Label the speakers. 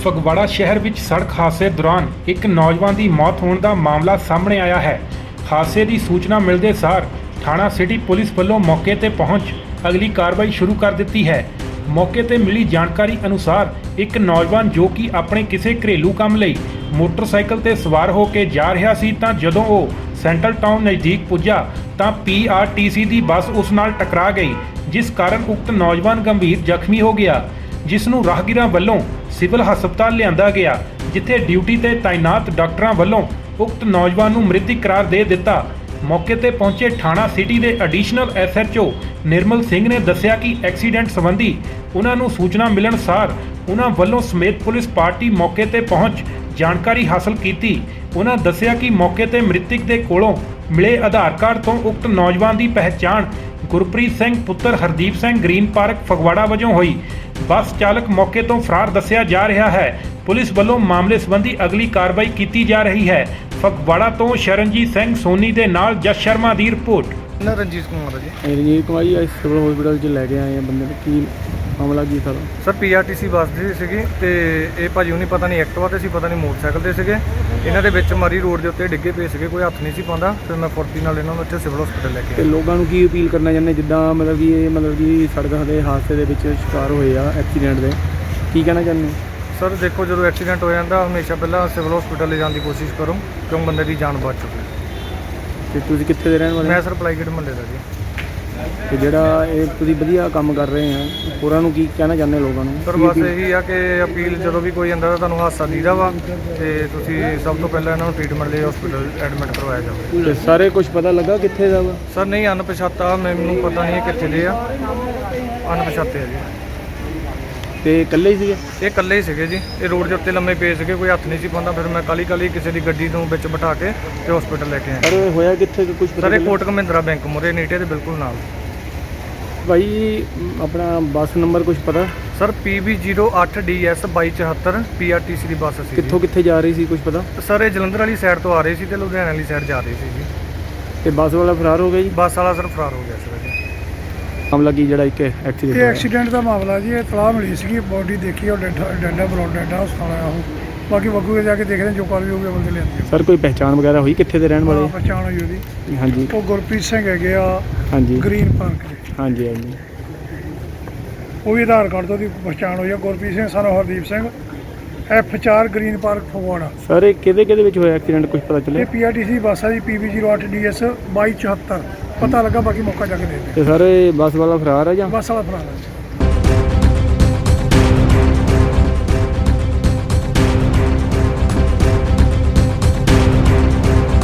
Speaker 1: ਫਗਵਾੜਾ ਸ਼ਹਿਰ ਵਿੱਚ ਸੜਕ ਹਾਦਸੇ ਦੌਰਾਨ ਇੱਕ ਨੌਜਵਾਨ ਦੀ ਮੌਤ ਹੋਣ ਦਾ ਮਾਮਲਾ ਸਾਹਮਣੇ ਆਇਆ ਹੈ। ਹਾਦਸੇ ਦੀ ਸੂਚਨਾ ਮਿਲਦੇ ਸਾਰ ਥਾਣਾ ਸਿਟੀ ਪੁਲਿਸ ਵੱਲੋਂ ਮੌਕੇ ਤੇ ਪਹੁੰਚ ਅਗਲੀ ਕਾਰਵਾਈ ਸ਼ੁਰੂ ਕਰ ਦਿੱਤੀ ਹੈ। ਮੌਕੇ ਤੇ ਮਿਲੀ ਜਾਣਕਾਰੀ ਅਨੁਸਾਰ ਇੱਕ ਨੌਜਵਾਨ ਜੋ ਕਿ ਆਪਣੇ ਕਿਸੇ ਘਰੇਲੂ ਕੰਮ ਲਈ ਮੋਟਰਸਾਈਕਲ ਤੇ ਸਵਾਰ ਹੋ ਕੇ ਜਾ ਰਿਹਾ ਸੀ ਤਾਂ ਜਦੋਂ ਉਹ ਸੈਂਟਰਲ ਟਾਊਨ ਨਜ਼ਦੀਕ ਪੁੱਜਾ ਤਾਂ PRTC ਦੀ ਬੱਸ ਉਸ ਨਾਲ ਟਕਰਾ ਗਈ, ਜਿਸ ਕਾਰਨ ਉਕਤ ਨੌਜਵਾਨ ਗੰਭੀਰ ਜ਼ਖਮੀ ਹੋ ਗਿਆ, ਜਿਸ ਨੂੰ ਰਾਹਗੀਰਾਂ ਵੱਲੋਂ ਸਿਵਲ ਹਸਪਤਾਲ ਲਿਆਂਦਾ ਗਿਆ, ਜਿੱਥੇ ਡਿਊਟੀ ਤੇ ਤਾਇਨਾਤ ਡਾਕਟਰਾਂ ਵੱਲੋਂ ਉਕਤ ਨੌਜਵਾਨ ਨੂੰ ਮ੍ਰਿਤਕ ਕਰਾਰ ਦੇ ਦਿੱਤਾ। ਮੌਕੇ ਤੇ ਪਹੁੰਚੇ ਥਾਣਾ ਸਿਟੀ ਦੇ ਐਡੀਸ਼ਨਲ SHO ਨਿਰਮਲ ਸਿੰਘ ਨੇ ਦੱਸਿਆ ਕਿ ਐਕਸੀਡੈਂਟ ਸੰਬੰਧੀ ਉਹਨਾਂ ਨੂੰ ਸੂਚਨਾ ਮਿਲਣ ਸਾਰ ਉਹਨਾਂ ਵੱਲੋਂ ਸਮੇਤ ਪੁਲਿਸ ਪਾਰਟੀ ਮੌਕੇ ਤੇ ਪਹੁੰਚ ਜਾਣਕਾਰੀ ਹਾਸਲ ਕੀਤੀ। ਉਹਨਾਂ ਦੱਸਿਆ ਕਿ ਮੌਕੇ ਤੇ ਮ੍ਰਿਤਕ ਦੇ ਕੋਲੋਂ ਮਿਲੇ ਆਧਾਰ ਕਾਰਡ ਤੋਂ ਉਕਤ ਨੌਜਵਾਨ ਦੀ ਪਹਿਚਾਣ ਗੁਰਪ੍ਰੀਤ ਸਿੰਘ ਪੁੱਤਰ ਹਰਦੀਪ ਸਿੰਘ ਗ੍ਰੀਨ ਪਾਰਕ ਫਗਵਾੜਾ ਵਜੋਂ ਹੋਈ। ਬੱਸ ਚਾਲਕ ਮੌਕੇ ਤੋਂ ਫਰਾਰ ਦੱਸਿਆ ਜਾ ਰਿਹਾ ਹੈ। ਪੁਲਿਸ ਵੱਲੋਂ ਮਾਮਲੇ ਸੰਬੰਧੀ ਅਗਲੀ ਕਾਰਵਾਈ ਕੀਤੀ ਜਾ ਰਹੀ ਹੈ। ਫਗਵਾੜਾ ਤੋਂ ਸ਼ਰਨਜੀਤ ਸਿੰਘ ਸੋਨੀ ਦੇ ਨਾਲ ਜਸ ਸ਼ਰਮਾ ਦੀ ਰਿਪੋਰਟ।
Speaker 2: ਰਣਜੀਤ ਕੁਮਾਰ ਜੀ।
Speaker 3: ਰਣਜੀਤ ਕੁਮਾਰ ਜੀ, ਸਿਵਲ ਹਸਪੀਟਲ 'ਚ ਲੈ ਕੇ ਆਏ ਆ ਬੰਦੇ ਨੂੰ। ਕੀ ਮਾਮਲਾ ਕੀ ਸਰ
Speaker 2: PRTC ਬੱਸ ਦੀ ਸੀਗੀ ਤੇ ਇਹ ਭਾਜੀ ਹੁਣੀ ਪਤਾ ਨਹੀਂ ਐਕਟਿਵਾ ਤੇ ਸੀ, ਪਤਾ ਨਹੀਂ ਮੋਟਰਸਾਈਕਲ ਤੇ ਸੀਗੇ। ਇਹਨਾਂ ਦੇ ਵਿੱਚ ਮਾਰੀ ਰੋਡ ਦੇ ਉੱਤੇ ਡਿੱਗੇ ਪਏ ਸੀਗੇ, ਕੋਈ ਹੱਥ ਨਹੀਂ ਸੀ ਪਾਉਂਦਾ। ਫਿਰ ਮੈਂ ਫੁਰਤੀ ਨਾਲ ਇਹਨਾਂ ਨੂੰ ਇੱਥੇ ਸਿਵਲ ਹਸਪੀਟਲ ਲੈ ਕੇ
Speaker 3: ਤੇ ਲੋਕਾਂ ਨੂੰ ਕੀ ਅਪੀਲ ਕਰਨਾ ਚਾਹੁੰਦੇ, ਜਿੱਦਾਂ ਮਤਲਬ ਕਿ ਸੜਕ ਦੇ ਹਾਦਸੇ ਦੇ ਵਿੱਚ ਸ਼ਿਕਾਰ ਹੋਏ ਆ ਐਕਸੀਡੈਂਟ ਦੇ, ਕੀ ਕਹਿਣਾ ਚਾਹੁੰਦੇ?
Speaker 2: ਸਰ ਦੇਖੋ, ਜਦੋਂ ਐਕਸੀਡੈਂਟ ਹੋ ਜਾਂਦਾ ਹਮੇਸ਼ਾ ਪਹਿਲਾਂ ਸਿਵਲ ਹਸਪੀਟਲ ਲੈ ਜਾਣ ਦੀ ਕੋਸ਼ਿਸ਼ ਕਰੋ, ਕਿਉਂ ਬੰਦੇ ਦੀ ਜਾਨ ਬਚ ਚੁੱਕੀ।
Speaker 3: ਤੇ ਤੁਸੀਂ ਕਿੱਥੇ ਦੇ ਰਹਿਣ ਵਾਲੇ?
Speaker 2: ਮੈਂ ਸਰ ਪਲਾਈਗੇਟ ਮੁਹੱਲੇ ਦਾ ਜੀ।
Speaker 3: ਤੇ ਜਿਹੜਾ ਇਹ ਤੁਸੀਂ ਵਧੀਆ ਕੰਮ ਕਰ ਰਹੇ ਆ, ਹੋਰਾਂ ਨੂੰ ਕੀ ਕਹਿਣਾ ਚਾਹੁੰਦੇ ਲੋਕਾਂ ਨੂੰ?
Speaker 2: ਸਰ ਬਸ ਇਹੀ ਆ ਕਿ ਅਪੀਲ, ਜਦੋਂ ਵੀ ਕੋਈ ਆਂਦਾ ਤਾਂ ਤੁਹਾਨੂੰ ਹਾਦਸਾ ਦੀਦਾ ਵਾ ਤੇ ਤੁਸੀਂ ਸਭ ਤੋਂ ਪਹਿਲਾਂ ਇਹਨਾਂ ਨੂੰ ਟ੍ਰੀਟਮੈਂਟ ਲਈ ਹਸਪੀਟਲ ਐਡਮਿਟ ਕਰਵਾਇਆ ਜਾਵੇ।
Speaker 3: ਤੇ ਸਾਰੇ ਕੁਝ ਪਤਾ ਲੱਗਾ ਕਿੱਥੇ ਦਾ ਵਾ?
Speaker 2: ਸਰ ਨਹੀਂ, ਅਣਪਛਾਤਾ, ਮੈਨੂੰ ਪਤਾ ਨਹੀਂ ਇਹ ਕਿੱਥੇ ਦੇ ਆ, ਅਣਪਛਾਤੇ ਆ ਜੀ।
Speaker 3: ਤੇ ਇਕੱਲੇ ਹੀ ਸੀਗੇ?
Speaker 2: ਇਹ ਇਕੱਲੇ ਹੀ ਸੀਗੇ ਜੀ। ਇਹ ਰੋਡ ਦੇ ਉੱਤੇ ਲੰਮੇ ਪਏ ਸੀਗੇ, ਕੋਈ ਹੱਥ ਨਹੀਂ ਸੀ ਪਾਉਂਦਾ। ਫਿਰ ਮੈਂ ਕਾਲੀ ਕਿਸੇ ਦੀ ਗੱਡੀ ਨੂੰ ਵਿੱਚ ਬਿਠਾ ਕੇ ਤੇ ਹਸਪੀਟਲ ਲੈ ਕੇ ਆਇਆ।
Speaker 3: ਪਰ ਹੋਇਆ ਕਿੱਥੇ ਕੁਝ
Speaker 2: ਸਰ ਇਹ ਕੋਟਕ ਮਹਿੰਦਰਾ ਬੈਂਕ ਮੁਰੇ ਨੀਟੇ ਦੇ ਬਿਲਕੁਲ ਨਾਲ।
Speaker 3: ਭਾਈ ਆਪਣਾ ਬੱਸ ਨੰਬਰ ਕੁਝ ਪਤਾ?
Speaker 2: ਸਰ PB08DS 2274 PRTC ਦੀ ਬੱਸ ਸੀ।
Speaker 3: ਕਿੱਥੋਂ ਕਿੱਥੇ ਜਾ ਰਹੀ ਸੀ, ਕੁਝ ਪਤਾ?
Speaker 2: ਸਰ ਇਹ ਜਲੰਧਰ ਵਾਲੀ ਸਾਈਡ ਤੋਂ ਆ ਰਹੀ ਸੀ ਤੇ ਲੁਧਿਆਣਾ ਵਾਲੀ ਸਾਈਡ ਜਾ ਰਹੀ ਸੀ ਜੀ।
Speaker 3: ਤੇ ਬੱਸ ਵਾਲਾ ਫਰਾਰ ਹੋ ਗਿਆ ਜੀ?
Speaker 2: ਬੱਸ ਵਾਲਾ ਸਰ ਫਰਾਰ ਹੋ ਗਿਆ ਸਰ ਜੀ।
Speaker 3: ਮਾਮਲਾ ਕੀ ਜਿਹੜਾ ਇੱਕ ਐਕਸੀਡੈਂਟ?
Speaker 4: ਇਹ ਐਕਸੀਡੈਂਟ ਦਾ ਮਾਮਲਾ ਜੀ। ਇਹ ਤਲਾਹ ਮਿਲੀ ਸੀਗੀ, ਬੋਡੀ ਦੇਖੀ ਉਹ ਡੈਡਾ ਬਰੋਡ ਡੈਡਾ ਹਸਪਤਾਲ ਆਇਆ ਉਹ। ਬਾਕੀ ਬੱਗੂ ਜਾ ਕੇ ਦੇਖਦੇ ਜੋ ਕਾਰਵਾਈ ਹੋਊਗੀ ਬੰਦੇ ਲਿਆਂਦੀ।
Speaker 3: ਸਰ ਕੋਈ ਪਹਿਚਾਣ ਵਗੈਰਾ ਹੋਈ ਕਿੱਥੇ ਦੇ ਰਹਿਣ ਵਾਲੇ?
Speaker 4: ਪਛਾਣ ਹੋਈ ਉਹਦੀ।
Speaker 3: ਹਾਂਜੀ।
Speaker 4: ਉਹ ਗੁਰਪ੍ਰੀਤ ਸਿੰਘ ਹੈਗੇ ਆ।
Speaker 3: ਹਾਂਜੀ।
Speaker 4: ਗ੍ਰੀਨ ਪਾਰਕ ਦੇ।
Speaker 3: ਹਾਂਜੀ ਹਾਂਜੀ।
Speaker 4: ਉਹ ਵੀ ਆਧਾਰ ਕਾਰਡ ਤੋਂ ਦੀ ਪਛਾਣ ਹੋਈ ਆ। ਗੁਰਪ੍ਰੀਤ ਸਿੰਘ ਸਾਨੂੰ Hardeep Singh F4 Green Park Phagwara.
Speaker 3: Sir ਇਹ ਕਿਹਦੇ ਵਿੱਚ ਹੋਇਆ ਐਕਸੀਡੈਂਟ, ਕੁਝ ਪਤਾ ਚੱਲਿਆ?
Speaker 4: ਇਹ PRTC ਬੱਸ ਆ ਜੀ, PB08DS 2274 ਪਤਾ ਲੱਗਾ, ਬਾਕੀ ਮੌਕਾ ਜਾ ਕੇ ਦੇਖਦੇ।
Speaker 3: ਤੇ ਸਰ ਇਹ ਬੱਸ ਵਾਲਾ ਫਰਾਰ ਹੈ ਜਾਂ?
Speaker 4: ਬੱਸ ਵਾਲਾ ਫਰਾਰ ਹੈ।